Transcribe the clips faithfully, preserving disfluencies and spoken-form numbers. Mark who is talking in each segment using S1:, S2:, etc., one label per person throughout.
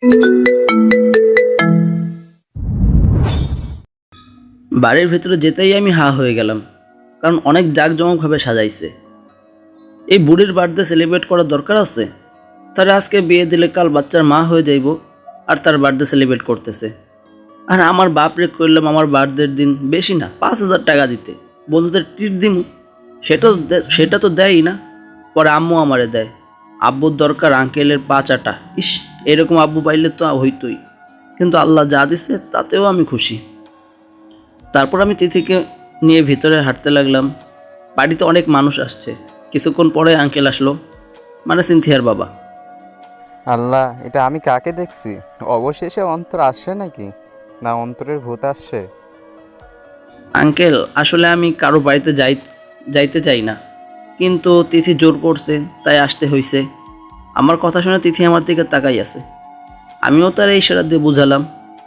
S1: বাড়ির ভেতরে যেতেই আমি হা হয়ে গেলাম, কারণ অনেক জাঁকজমকভাবে সাজাইছে। এই বুড়ির বার্থডে সেলিব্রেট করার দরকার আছে? তারা আজকে বিয়ে দিলে কাল বাচ্চার মা হয়ে যাইব, আর তার বার্থডে সেলিব্রেট করতেছে। আর আমার বাপরে কইলাম আমার বার্থডের দিন বেশি না পাঁচ হাজার টাকা দিতে, বন্ধুদের ট্রিট দিমু, সেটা তো দে- সেটা তো দেয়ই না। পরে আম্মু আমারে দেয়। আব্বুর দরকার আঙ্কেলের পা চাটা। ইস, এরকম আব্বু পাইলে তো হইতই, কিন্তু আল্লাহ যা দিছে তাতেও আমি খুশি। তারপর আমি তিথিকে নিয়ে ভিতরে হাঁটতে লাগলাম। বাড়িতে অনেক মানুষ আসছে। কিছুক্ষণ পরে আঙ্কেল আসলো, মানে সিনথিয়ার বাবা।
S2: আল্লাহ, এটা আমি কাকে দেখছি? অবশেষে অন্তর আসছে নাকি, না অন্তরের ভূত আসছে?
S1: আঙ্কেল, আসলে আমি কারো বাড়িতে যাই যাইতে চাই না, কিন্তু তিথি জোর করছে তাই আসতে হইছে। আমার কথা শুনে তিথি আমার দিকে তাকাই আছে। আমিও তার এই ইশারা দিয়ে বুঝালাম।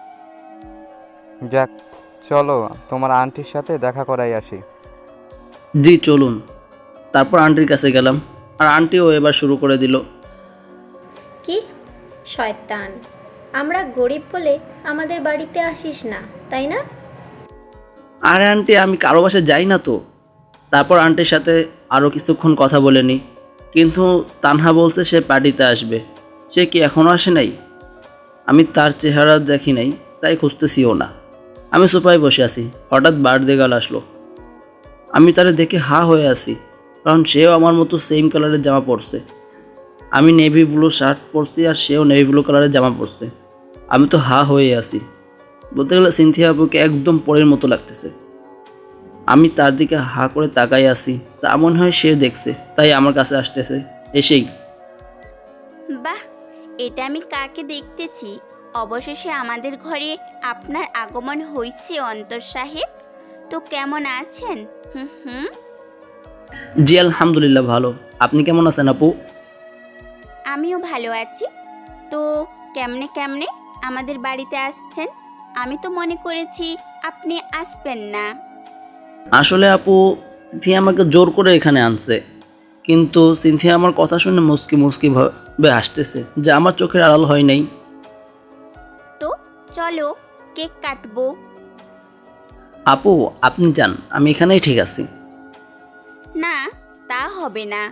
S2: যাক, চলো তোমার আন্টির সাথে দেখা করাই আসি।
S1: জি চলুন। তারপর আন্টির কাছে গেলাম, আর আন্টিও এবার শুরু করে দিল।
S3: কি শয়তান, আমরা গরিব বলে আমাদের বাড়িতে আসিস না, তাই না?
S1: আরে আন্টি, আমি কারো বাসায় যাই না তো। তারপর আন্টির সাথে আরও কিছুক্ষণ কথা বলে নিই, কিন্তু তানহা বলছে সে পার্টিতে আসবে। সে কি এখনও আসে নাই? আমি তার চেহারা দেখি নাই, তাই খুঁজতেছিও না। আমি সোফায় বসে আছি, হঠাৎ বার্থডে গার্ল আসলো। আমি তারে দেখে হা হয়ে আছি, কারণ সেও আমার মতো সেম কালারের জামা পরছে। আমি নেভি ব্লু শার্ট পরছি আর সেও নেভি ব্লু কালারের জামা পরছে। আমি তো হা হয়ে আছি। বলতে গেলে সিনথিয়া আপুকে একদম পরের মতো লাগতেছে। আমি তার দিকে হা করে তাকাই আছি, তা মনে হয় সে দেখছে, তাই আমার কাছে আসতেছে। এসেই
S4: বাহ, এটা আমি কাকে দেখতেছি? অবশেষে আমাদের ঘরে আপনার আগমন হয়েছে অন্তর সাহেব। তো কেমন আছেন? হুম হুম
S1: জি আলহামদুলিল্লাহ ভালো। আপনি কেমন আছেন আপু?
S4: আমিও ভালো আছি। তো কেমনে কেমনে আমাদের বাড়িতে আসছেন? আমি তো মনে করেছি আপনি আসবেন না।
S1: আসলে আপু, সিনথিয়া আমাকে জোর করে এখানে আনছে, কিন্তু সিনথিয়া আমার কথা শুনে মুসকি মুসকি ভাবে হাসতেছে, যে আমার চোখের আড়াল হয় নাই।
S4: তো চলো কেক কাটবো।
S1: আপু, আপনি যান, আমি এখানেই ঠিক আছি।
S4: না, তা হবে না।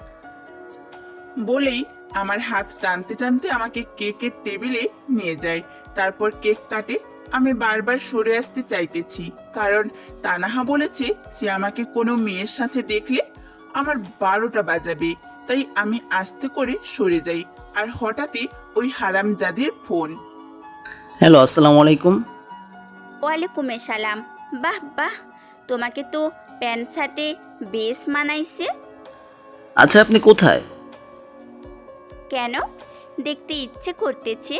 S5: বলেই আমার হাত টানতে টানতে আমাকে কেকের টেবিলে নিয়ে যায়। তারপর কেক কাটে। আমি বারবার সরে আসতে চাইতেছি, কারণ তানাহা বলেছে সে আমাকে কোনো মেয়ের সাথে দেখলে আমার বারোটা বাজাবে। তাই আমি আস্তে করে সরে যাই, আর হঠাৎই ওই হারামজাদির ফোন।
S1: হ্যালো, আসসালামু আলাইকুম।
S4: ওয়ালাইকুম সালাম। বাহ বাহ, তোমাকে তো প্যান্ট শার্টে বেশ মানাইছে।
S1: আচ্ছা, আপনি কোথায়?
S4: কেন, দেখতে ইচ্ছে করতেছে?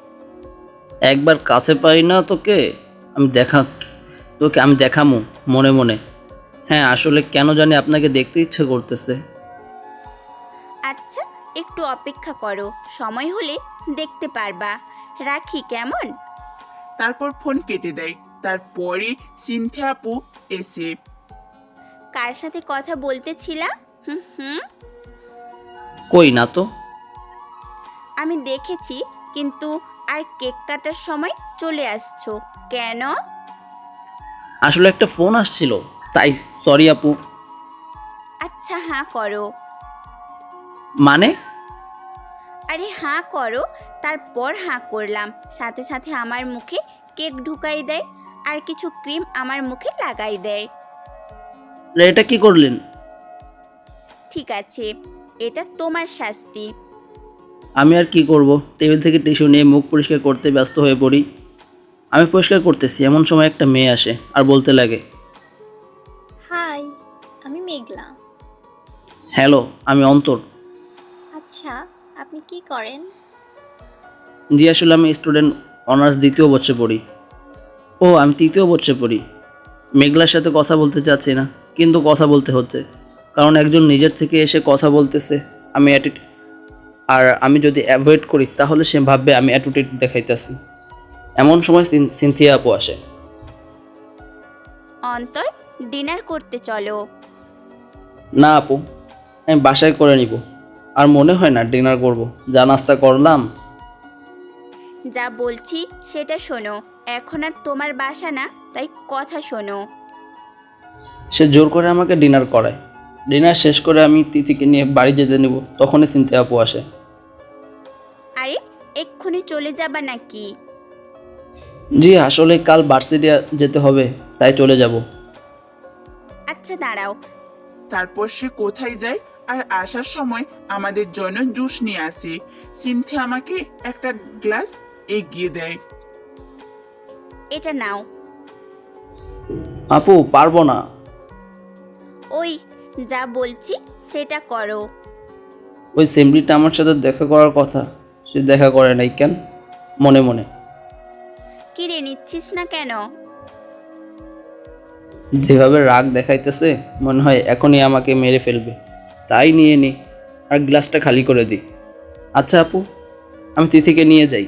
S1: একবার কাছে পাই না তোকে, আমি দেখা তোকে আমি দেখামু মনে মনে। হ্যাঁ, আসলে কেন জানি আপনাকে দেখতে ইচ্ছে করতেছে।
S4: আচ্ছা, একটু অপেক্ষা করো, সময় হলে দেখতে পারবা। রাখি কেমন?
S5: তারপর ফোন কেটে দেয়। তারপরে সিনথিয়া আপু এসে।
S4: কার সাথে কথা বলতেছিলা? হুম হুম
S1: কই না তো।
S4: আমি দেখেছি, কিন্তু আর কেক কাটার সময় চলে আসছো কেন?
S1: আসলে একটা ফোন আসছিল, তাই। সরি আপু।
S4: আচ্ছা, হাঁ করো।
S1: মানে?
S4: আরে হাঁ করো। তারপর হাঁ করলাম, সাথে সাথে আমার মুখে কেক ঢুকাই দেয় আর কিছু ক্রিম আমার মুখে লাগাই দেয়।
S1: এটা কি করলেন?
S4: ঠিক আছে, এটা তোমার শাস্তি।
S1: আমি আর কি করব, টেবিল থেকে টিস্যু নিয়ে মুখ পরিষ্কার করতে ব্যস্ত হয়ে পড়ি। আমি পরিষ্কার করতেছি, এমন সময় একটা মেয়ে আসে আর বলতে লাগে,
S6: হাই, আমি মেঘলা।
S1: হ্যালো, আমি অন্তর।
S6: আচ্ছা, আপনি কি করেন?
S1: জি, আসলে আমি স্টুডেন্ট, অনার্স দ্বিতীয় বর্ষে পড়ি। ও, আমি তৃতীয় বর্ষে পড়ি। মেঘলার সাথে কথা বলতে চাচ্ছি না, কিন্তু কথা বলতে হচ্ছে, কারণ একজন নিজের থেকে এসে কথা বলতেছে। আমি অ্যাটিট আর আমি যদি অ্যাভয়েড করি তাহলে সে ভাববে আমি অ্যাটিটিউড দেখাইতেছি। এমন সময় সিন- সিনথিয়া আপু আসে।
S4: অন্তর, ডিনার করতে চলো।
S1: না আপু, আমি বাসায় করে নিব। আর মনে হয় না ডিনার করব, যা নাস্তা করলাম।
S4: যা বলছি সেটা শোনো। এখন আর তোমার বাসা না, তাই কথা শোনো।
S1: সে জোর করে আমাকে ডিনার করায়। ডিনার শেষ করে আমি তিথিকে নিয়ে বাড়ি যেতে নেব, তখনই চিনতে আপু আসে।
S4: আরে এক্ষুনি চলে যাবা নাকি?
S1: জি আসলে কাল ভার্সিটি যেতে হবে, তাই চলে যাব।
S4: আচ্ছা দাঁড়াও।
S5: তারপর সে কোথায় যায় আর আসার সময় আমাদের জন্য জুস নিয়ে আসে। সিনথিয়া আমাকে একটা গ্লাস এগিয়ে দেয়।
S4: এটা নাও।
S1: আপু পারবো না।
S4: ওই যা বলছি সেটা করো।
S1: ওই সেমরিটা আমার সাথে দেখা করার কথা, সে দেখা করে নাই কেন? মনে মনে
S4: কিরে নিচ্ছিস না কেন?
S1: যেভাবে রাগ দেখাইতেছে মনে হয় এখনই আমাকে মেরে ফেলবে, তাই নিয়ে নি আর গ্লাসটা খালি করে দিই। আচ্ছা আপু, আমি তিথিকে নিয়ে যাই।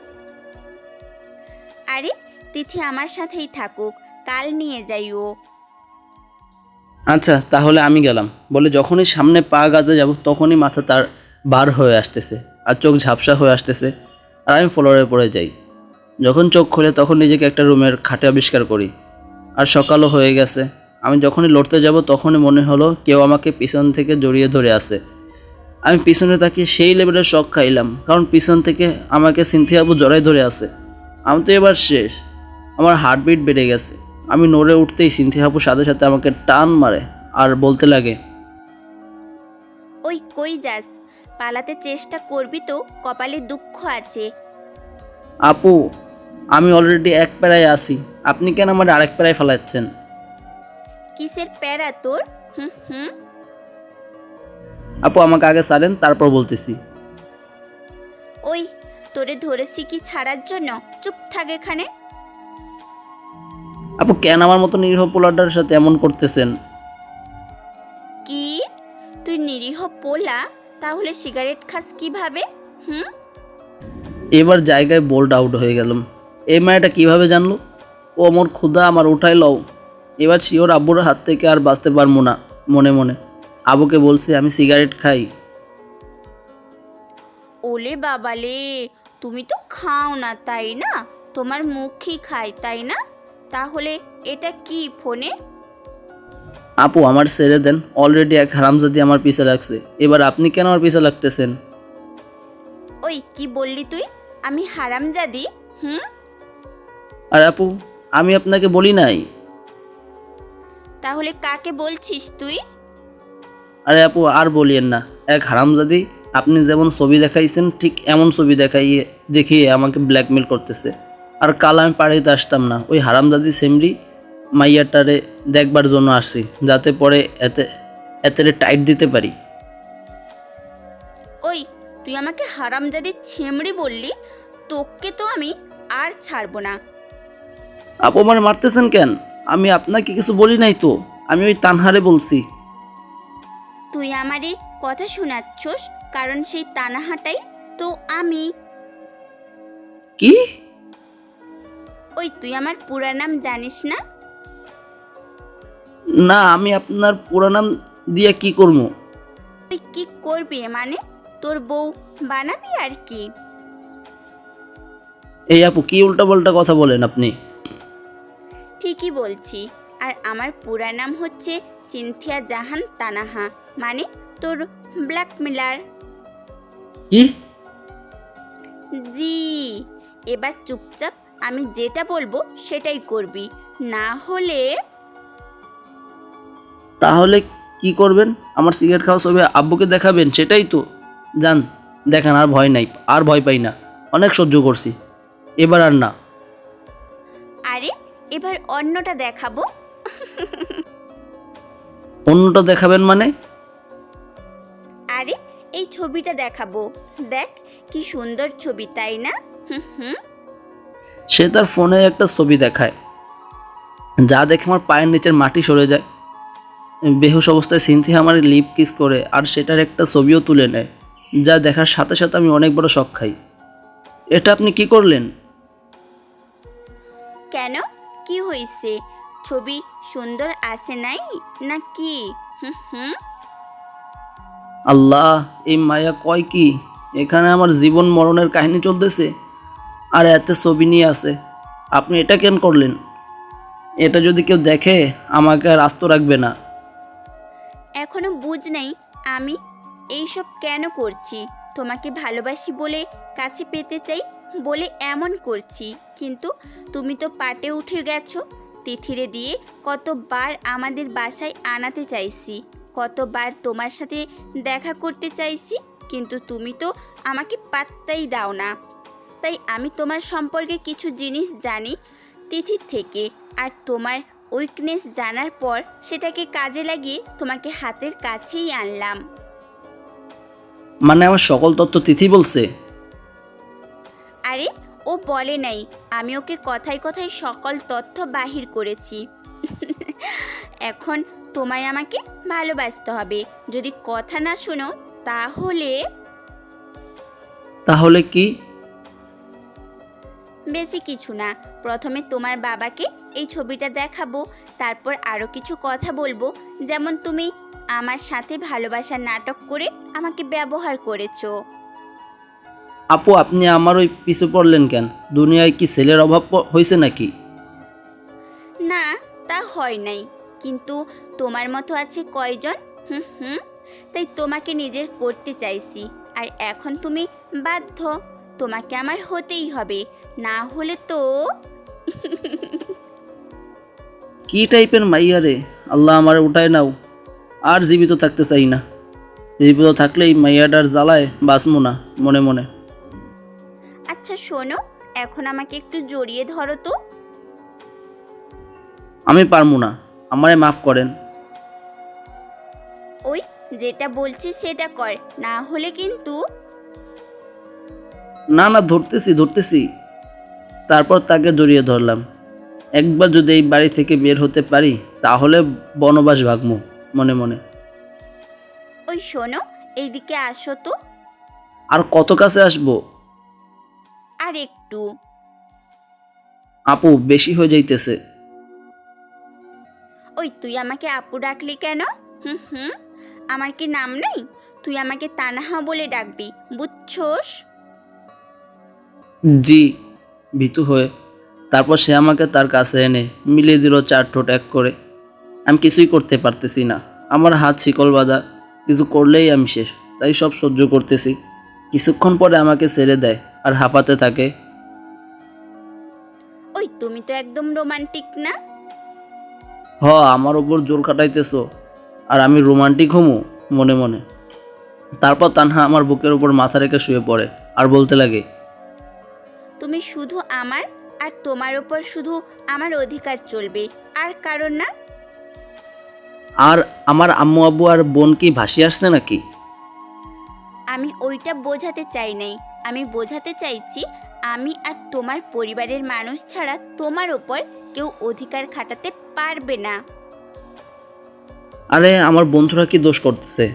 S4: আরে তিথি আমার সাথেই থাকুক, কাল নিয়ে যাইও।
S1: আচ্ছা তাহলে আমি গেলাম বলে যখনই সামনে পা গাতে যাব তখনই মাথা তার বার হয়ে আসতেছে আর চোখ ঝাপসা হয়ে আসতেছে, আর আমি ফ্লোরে পড়ে যাই। যখন চোখ খুলে তখন নিজেকে একটা রুমের খাটে আবিষ্কার করি, আর সকালও হয়ে গেছে। আমি যখনই লড়তে যাব তখনই মনে হলো কেউ আমাকে পিছন থেকে জড়িয়ে ধরে আছে। আমি পিছনে তাকিয়ে সেই লেভেলের শক খাইলাম, কারণ পিছন থেকে আমাকে সিনথিয়া আপু জড়াই ধরে আছে। আমি তো এবার শেষ, আমার হার্টবিট বেড়ে গেছে। আমি নড়ে উঠতেই সিনথিয়া আপু সাথে সাথে আমাকে টান মারে আর বলতে লাগে,
S4: ওই কই যাস? পালাতে চেষ্টা করবি তো কপালে দুঃখ আছে।
S1: আপু আমি অলরেডি এক প্যারায় আছি, আপনি কেন আমার আরেক প্যারায় ফেলাচ্ছেন?
S4: কিসের প্যারা তোর? হুম হুম
S1: আপু আমাকে আগে ছাড়েন, তারপর বলতেছি।
S4: ওই তোরে ধরেছি কি ছাড়ার জন্য? চুপ থাক এখানে।
S1: আপু কেন আমার মতো নিরীহ পোলাটার সাথে এমন করতেছেন?
S4: কি তুই নিরীহ পোলা? তাহলে সিগারেট খাস কিভাবে? হুম
S1: এবার জায়গায় বোল্ড আউট হয়ে গেলাম। এই মায়াটা কিভাবে জানলো? ও আমার ক্ষুধা আমার উঠাই লও। এবার শিওর আব্বুর হাত থেকে আর বাঁচতে পারবো না। মনে মনে আবুকে বলছি আমি সিগারেট খাই।
S4: ওলে বাবালে, তুমি তো খাও না তাই না? তোমার মুখই খায় তাই না? তাহলে এটা কি ফোনে?
S1: আপু আমার ছেড়ে দেন, অলরেডি এক হারামজাদি আমার পিছে লাগছে, এবার আপনি কেন আমার পিছে লাগতেছেন?
S4: ওই কি বললি তুই? আমি হারামজাদি? হুম
S1: আর আপু আমি আপনাকে বলি নাই।
S4: তাহলে কাকে বলছিস তুই?
S1: আরে আপু আর বলিয়েন না, এক হারামজাদি আপনি যেমন ছবি দেখাইছেন ঠিক এমন ছবি দেখাইয়ে দেখিয়ে আমাকে ব্ল্যাকমেল করতেছে। আর কাল আমি পাড়িতে আসতাম না, ওই হারামজাদি সেমরি মাইয়াটারে দেখবার জন্য আসছি, যাতে পরে এতে এতে টাইট দিতে পারি।
S4: ওই তুই আমাকে হারামজাদি ছেমড়ি বললি? তোকে তো আমি আর ছাড়বো না।
S1: আপু আমার মারতেছেন কেন? আমি আপনাকে কিছু বলি নাই তো, আমি ওই তানহারে বলছি।
S4: তুই আমারই কথা শোনাচ্ছস, কারণ সেই তানাহাটাই তো আমি।
S1: কি?
S4: ওই তুই আমার পুরা নাম জানিস না?
S1: না আমি আপনার পুরো নাম দিয়ে কি করবো?
S4: তুই কি করবি মানে? তোর বউ বানাবি আর কি?
S1: এই আপু কি উল্টাপাল্টা কথা বলেন আপনি?
S4: ঠিকই বলছি। আর আমার পুরা নাম হচ্ছে সিনথিয়া জাহান তানাহা, মানে তোর ব্ল্যাকমেলার।
S1: কি?
S4: জি, এবার চুপচাপ আমি যেটা বলবো সেটাই করবি, না হলে।
S1: তাহলে কি করবেন? আমার সিগারেট খাওয়া ছবি আব্বুকে দেখাবেন সেটাই তো? যান দেখান, আর ভয় নাই, আর ভয় পাই না, অনেক সহ্য করছি, এবার আর না।
S4: আরে এবার অন্যটা দেখাবো।
S1: অন্যটা দেখাবেন মানে?
S4: আরে এই ছবিটা দেখাবো, দেখ কি সুন্দর ছবি তাই না? হুম হুম
S1: সে তার ফোনে একটা ছবি দেখায়, যা দেখে আমার পায়ের নিচের মাটি সরে যায়। বেহুশ অবস্থায় সিনথিয়া আমার লিপ কিস করে আর সেটার একটা ছবিও তুলে নেয়, যা দেখার সাথে সাথে আমি অনেক বড় শক খাই। এটা আপনি কি করলেন?
S4: কেন, কি হয়েছে? ছবি সুন্দর আছে নাই নাকি? হুম হুম
S1: আল্লাহ, এই মায়া কয় কি? এখানে আমার জীবন মরণের কাহিনী চলতেছে। আর এতে ছবি নিয়ে আছে। আপনি এটা কেন করলেন? এটা যদি কেউ দেখে আমাকে আর আস্ত রাখবে না।
S4: এখনো বুঝ নাই আমি এইসব কেন করছি। তোমাকে ভালোবাসি বলে কাছে পেতে চাই বলে এমন করছি, কিন্তু তুমি তো পাটে উঠে গেছো। তিথিরে দিয়ে কতবার আমাদের বাসায় আনাতে চাইছি, কতবার তোমার সাথে দেখা করতে চাইছি, কিন্তু তুমি তো আমাকে পাত্তাই দাও না। তাই আমি তোমার সম্পর্কে কিছু জিনিস জানি তিথির থেকে, আর তোমার উইকনেস জানার পর সেটাকে কাজে লাগিয়ে তোমাকে হাতের কাছেই আনলাম।
S1: মানে আমার সকল তথ্য তিথি বলছে?
S4: আরে ও বলে নাই, আমি ওকে কথায় কথায় সকল তথ্য বাহির করেছি। এখন তোমায় আমাকে ভালোবাসতে হবে। যদি কথা না শোনো তাহলে
S1: তাহলে কি?
S4: বেশি কিছু না। প্রথমে তোমার বাবাকে এই ছবিটা দেখাবো, তারপর আরও কিছু কথা বলবো, যেমন তুমি আমার সাথে ভালোবাসার নাটক করে আমাকে ব্যবহার করেছো।
S1: আপু, আপনি আমার ওই পিছু পড়লেন কেন? দুনিয়ায় কি ছেলের অভাব প- হয়েছে নাকি?
S4: না, তা হয় নাই, কিন্তু তোমার মতো আছে কয়জন? হুম হুম তাই তোমাকে নিজের করতে চাইছি। আর এখন তুমি বাধ্য, তোমাকে আমার হতেই হবে, না হলে তো
S1: কি টাইপের মাইয়া রে! আল্লাহ আমার উঠায় নাও, আর জীবিত থাকতে চাই না। জীবিত থাকলেই মাইয়াটার জ্বালায় বাঁচমু না মনে মনে।
S4: আচ্ছা শোনো, এখন আমাকে একটু জড়িয়ে ধরো তো।
S1: আমি পারমু না, আমারে মাফ করেন।
S4: ওই যেটা বলছি সেটা কর, না হলে কিন্তু
S1: না না, ধরতেছি ধরতেছি। তারপর তাকে জড়িয়ে ধরলাম। একবার যদি এই বাড়ি থেকে বের হতে পারি তাহলে বনবাস ভাগমু মনে মনে।
S4: ওই শোনো, এইদিকে আসো তো।
S1: আর কত কাছে আসবো?
S4: আর একটু।
S1: আপু, বেশি হয়ে যাইতেছে।
S4: ওই তুই আমাকে আপু ডাকলি কেন? হুম হুম আমার কি নাম নেই? তুই আমাকে তানহা বলে ডাকবি, বুঝছোস?
S1: জি, ভীতু হয়ে। তারপর সে আমাকে তার কাছে এনে মিলিয়ে দিল চার ঠোঁট এক করে। আমি কিছুই করতে পারতেছি না, আমার হাত শিকল বাঁধা। কিছু করলেই আমি শেষ, তাই সব সহ্য করতেছি। কিছুক্ষণ পরে আমাকে ছেড়ে দেয় আর হাঁপাতে থাকে।
S4: ওই তুমি তো একদম রোমান্টিক না।
S1: হ, আমার ওপর জোর খাটাইতেছো আর আমি রোমান্টিক হমু মনে মনে। তারপর তানহা আমার বুকের উপর মাথা রেখে শুয়ে পড়ে আর বলতে লাগে,
S4: তুমি শুধু আমার, আর তোমার ওপর শুধু আমার অধিকার চলবে, আর কারণ না।
S1: আর আমার আম্মু আব্বু আর বোন কি ভাসি আসছে নাকি?
S4: আমি ওইটা বোঝাতে চাই নাই, আমি বোঝাতে চাইছি আমি আর তোমার পরিবারের মানুষ ছাড়া তোমার ওপর কেউ অধিকার খাটাতে পারবে না।
S1: আরে আমার বন্ধুরা কি দোষ করতেছে?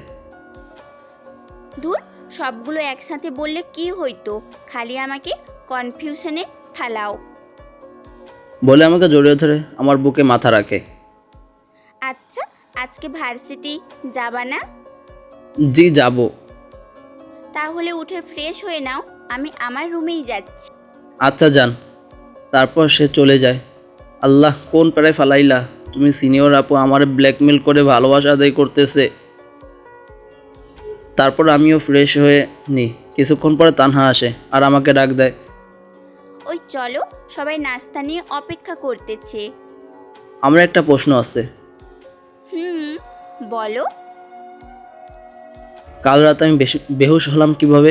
S4: দূর, সবগুলো একসাথে বললে কি হইতো, খালি আমাকে কনফিউশনে ফেলাও।
S1: বলে আমাকে জড়িয়ে ধরে আমার বুকে মাথা রাখে।
S4: আচ্ছা, আজকে ভার্সিটি যাবা না?
S1: জি, যাব।
S4: তাহলে উঠে ফ্রেশ হয়ে নাও, আমি আমার রুমেই যাচ্ছি।
S1: আচ্ছা যান। তারপর সে চলে যায়। আল্লাহ, কোন পারে ফালাইলা তুমি? সিনিয়র আপু আমার ব্ল্যাকমেল করে ভালোবাসা আদায় করতেছে। তারপর আমিও ফ্রেশ হয়ে নিই। কিছুক্ষণ পরে তানহা আসে আর আমাকে ডাক দেয়।
S4: ওই চলো, সবাই নাস্তা নিয়ে অপেক্ষা করতেছে।
S1: আমার একটা প্রশ্ন আছে।
S4: হুম বলো।
S1: কাল রাতে আমি বেশি বেহুশ হলাম কিভাবে?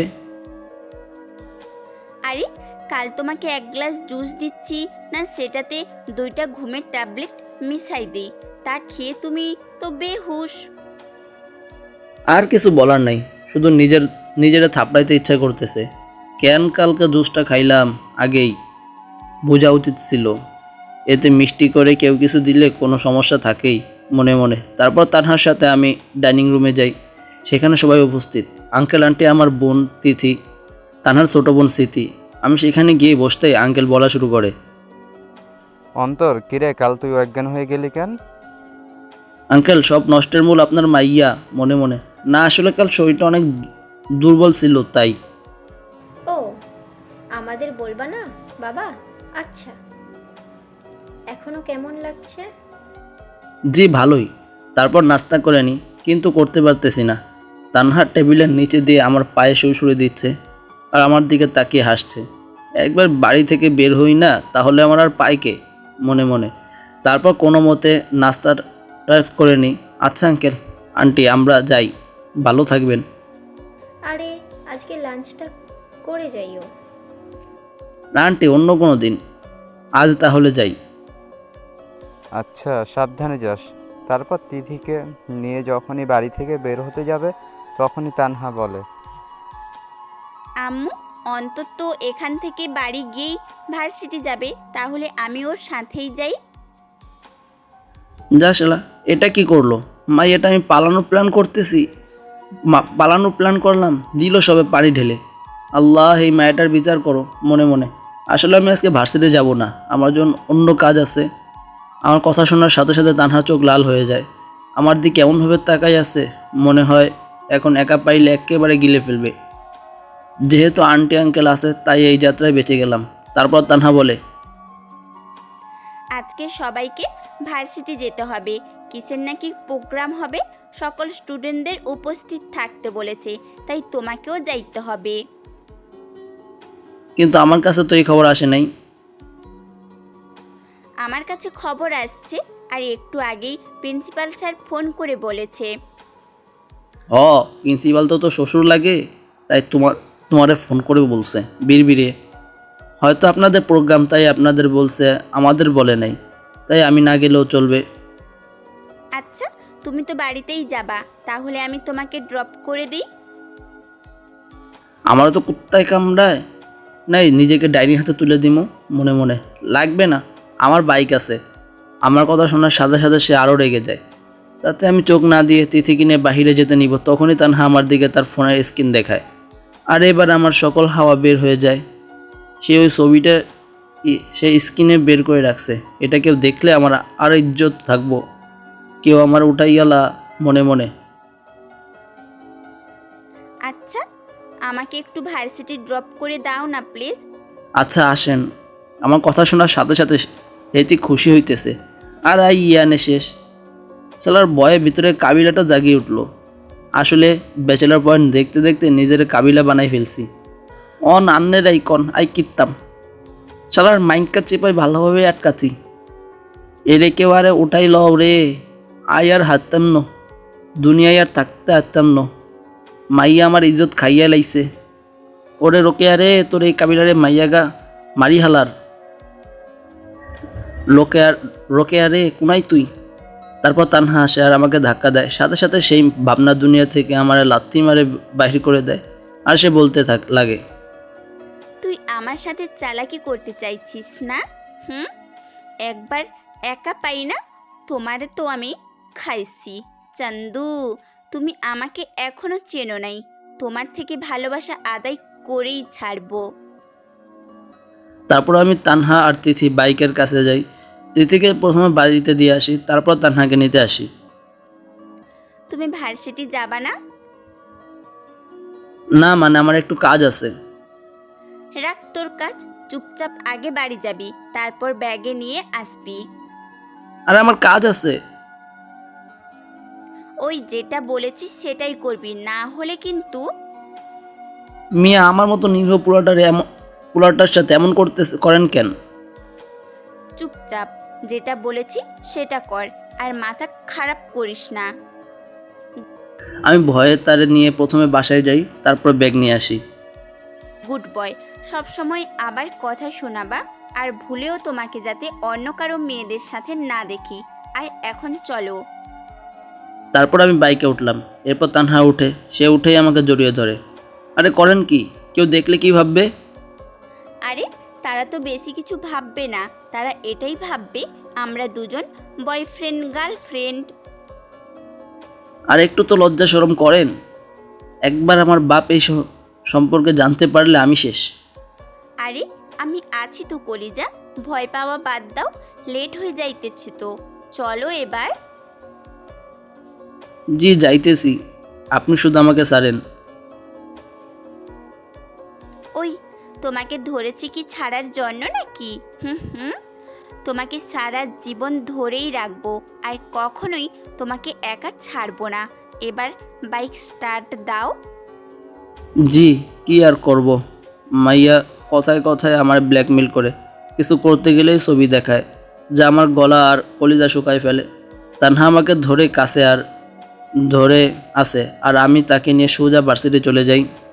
S4: আরে কাল তোমাকে এক গ্লাস জুস দিচ্ছি না, সেটাতে দুইটা ঘুমের ট্যাবলেট মিশাই দিই, তা খেয়ে তুমি তো বেহুশ।
S1: আর কিছু বলার নাই, শুধু নিজের নিজেরা থাপড়াইতে ইচ্ছা করতেছে। কেন কালকে জুসটা খাইলাম আগেই বোঝা উচিত ছিল। এতে মিষ্টি করে কেউ কিছু দিলে কোনো সমস্যা থাকেই মনে মনে। তারপর তানহার সাথে আমি ডাইনিং রুমে যাই। সেখানে সবাই উপস্থিত। আঙ্কেল আন্টি, আমার বোন তিথি, তানহার ছোট বোন স্মৃতি। আমি সেখানে গিয়ে বসতেই আঙ্কেল বলা শুরু করে,
S2: অন্তর, কিরে কাল তুই অজ্ঞান হয়ে গেলি কেন?
S1: আঙ্কেল, সব নষ্টের মূল আপনার মাইয়া মনে মনে। না, আসলে কাল শরীরটা অনেক দুর্বল ছিল তাই।
S3: ও, আমার আমাদের বলবা না বাবা? আচ্ছা, এখনো কেমন লাগছে?
S1: জি ভালোই। তারপর নাস্তা করে নিই, কিন্তু করতে পারতেছি না। তানহা টেবিলের নিচে দিয়ে আমার পায়ে সুড়সুড়ি দিচ্ছে আর আমার দিকে তাকিয়ে হাসছে। একবার বাড়ি থেকে বের হই না তাহলে আমার আর পায় কে, মনে মনে। তারপর কোনো মতে নাস্তাটা করে নিই। আচ্ছা আঙ্কেল আন্টি, আমরা যাই, ভালো থাকবেন।
S3: আরে আজকে লাঞ্চটা করে যাইও।
S1: না আন্টি, অন্য কোনো দিন, আজ তাহলে যাই।
S2: আচ্ছা, সাবধানে যাস। তারপর তিথিকে নিয়ে যখনই বাড়ি থেকে বের হতে যাবে তখনই তানহা বলে,
S4: আম্মু অন্তত এখান থেকে বাড়ি গিয়েই ভার্সিটি যাবে, তাহলে আমি ওর সাথেই যাই।
S1: যা শালা, এটা কি করলো? মাই, এটা আমি পালানোর প্ল্যান করতেছি। মা পালানোর প্ল্যান করলাম, দিল সবে পানি ঢেলে। আল্লাহ, এই মায়াটার বিচার করো মনে মনে। আসলে আমি আজকে ভার্সিটি যাব না, আমার জন্য অন্য কাজ আছে। আমার কথা শোনার সাথে সাথে তানহা চোখ লাল হয়ে যায়। আমার দিকে এমনভাবে তাকাই আছে, মনে হয় এখন একা পাইলে একেবারে গিলে ফেলবে। যেহেতু আন্টি আঙ্কেল আছে তাই এই যাত্রায় বেঁচে গেলাম। তারপর তানহা বলে,
S4: আজকে সবাইকে ভার্সিটি যেতে হবে, কিসের নাকি প্রোগ্রাম হবে, সকল স্টুডেন্টদের উপস্থিত থাকতে বলেছে, তাই তোমাকেও যাইতে হবে।
S1: কিন্তু আমার কাছে তো এই খবর আসে নাই।
S4: আমার কাছে খবর আসছে, আর একটু আগেই প্রিন্সিপাল স্যার ফোন করে বলেছে।
S1: ও, প্রিন্সিপাল তো তো শ্বশুর লাগে, তাই তোমার তোমারে ফোন করে বলছে বিড়বিড়ে। হয়তো আপনাদের প্রোগ্রাম তাই আপনাদের বলছে, আমাদের বলে নাই, তাই আমি না গেলেও চলবে।
S4: আচ্ছা, তুমি তো বাড়িতেই যাবা, তাহলে আমি তোমাকে ড্রপ করে দিই।
S1: আমারও তো কুত্তায় কামড়ায়, নাই নিজেকে ডাইনি হাতে তুলে দিমো মনে মনে। লাগবে না, আমার বাইক আছে। আমার কথা শোনার সাথে সাথে সে আরও রেগে যায়। তাতে আমি চোখ না দিয়ে তিথি কিনে বাহিরে যেতে নিব, তখনই তানহা আমার দিকে তার ফোনের স্ক্রিন দেখায়। আর এবার আমার সকল হাওয়া বের হয়ে যায়। সে ওই ছবিটা ই- সে স্ক্রিনে বের করে রাখছে। এটা কেউ দেখলে আমার আর ইজ্জত থাকবো, কেউ আমার উঠাইয়ালা মনে মনে।
S4: আচ্ছা, আমাকে একটু ভার্সিটি ড্রপ করে দাও না প্লিজ।
S1: আচ্ছা আসেন। আমার কথা শোনার সাথে সাথে হেতি খুশি হইতেছে। আর আই ইয়ানে শেষ। সালার বয়ের ভিতরে কাবিলাটা জাগিয়ে উঠলো। আসলে ব্যাচেলার পয়েন্ট দেখতে দেখতে নিজের কাবিলা বানাই ফেলছি। অন আন্নের আইকন আই কিতাম। শালার মাইন্ডকা চেপাই ভালোভাবে আটকাছি। এরে কেউ আরে উঠাই লও রে। আই আর হারতাম ন, দুনিয়ায় আর থাকতে হারতাম ন। মাইয়া আমার ইজ্জত খাইয়া লাইছে। ওরে রোকেয়া রে, তোর এই কাবিলারে মাইয়াগা মারি হালার। লোকেয়ার রোকেয়া রে, কোনাই তুই? তারপর তানহা আসে আর আমাকে ধাক্কা দেয়। সাথে সাথে সেই ভাবনার দুনিয়া থেকে আমার লাথি মারে বাহির করে দেয়। আর সে বলতে থাক লাগে,
S4: তুই আমার সাথে চালাকি করতে চাইছিস না? হুম, একবার একা পাই না, তোমারে তো আমি খাইছি। চান্দু, তুমি আমাকে এখনো চেনো নাই, তোমার থেকে ভালোবাসা আদায় করেই ছাড়বো।
S1: তারপর আমি তানহা আর তিথি বাইকের কাছে যাই। তিথিকে প্রথমে বাড়িতে দিয়ে আসি, তারপর তানহাকে নিতে আসি।
S4: তুমি ভার্সিটি যাবা না?
S1: না মানে আমার একটু কাজ আছে।
S4: রাখ তোর কাজ, চুপচাপ আগে বাড়ি যাবি, তারপর ব্যাগে নিয়ে আসবি।
S1: আর আমার কাজ আছে।
S4: ওই যেটা বলেছিস সেটাই করবি, না হলে কিন্তু।
S1: মিয়া, আমার মতো নিরীহ পোলাটার এমন পোলাটার সাথে এমন করতে করেন কেন?
S4: চুপচাপ যেটা বলেছি সেটা কর, আর মাথা খারাপ করিস না।
S1: আমি ভয়ে তারে নিয়ে প্রথমে বাসায় যাই, তারপর ব্যাগ নিয়ে আসি।
S4: গুড বয়, সবসময় আবার কথা শোনাবা, আর ভুলেও তোমাকে যাতে অন্য কারো মেয়েদের সাথে না দেখি। আর এখন চলো।
S1: তারপর আমি বাইকে উঠলাম। এরপর তানহা উঠে, সে উঠেই আমাকে জড়িয়ে ধরে। আরে করেন কি? কেউ দেখলে কি ভাববে?
S4: আরে তারা তো বেশি কিছু ভাববে না, তারা এটাই ভাববে আমরা দুজন বয়ফ্রেন্ড গার্লফ্রেন্ড।
S1: আর একটু তো লজ্জা শরম করেন। একবার আমার বাপ এই স- সম্পর্কে জানতে পারলে আমি শেষ।
S4: আরে আমি আছি তো কলিজা, ভয় পাওয়া বাদ দাও, লেট হয়ে যাইতেছে তো, চলো এবার।
S1: জি যাইতেছি, আপনি শুধু আমাকে ছাড়েন।
S4: ওই তোমাকে ধরেছি কি ছাড়ার জন্য নাকি? হুম হুম তোমাকে সারা জীবন ধরেই রাখবো আর কখনোই তোমাকে একা ছাড়বো না। এবার বাইক স্টার্ট দাও।
S1: জি, কি আর করব। মাইয়া কথায় কথায় আমার ব্ল্যাকমেল করে, কিছু করতে গেলেই ছবি দেখায়, যা আমার গলা আর কলিজা শুকায় ফেলে। তানহা আমাকে ধরে কাছে আর ধরে আসে আর আমি তাকে নিয়ে সোজা ভার্সিটি চলে যাই।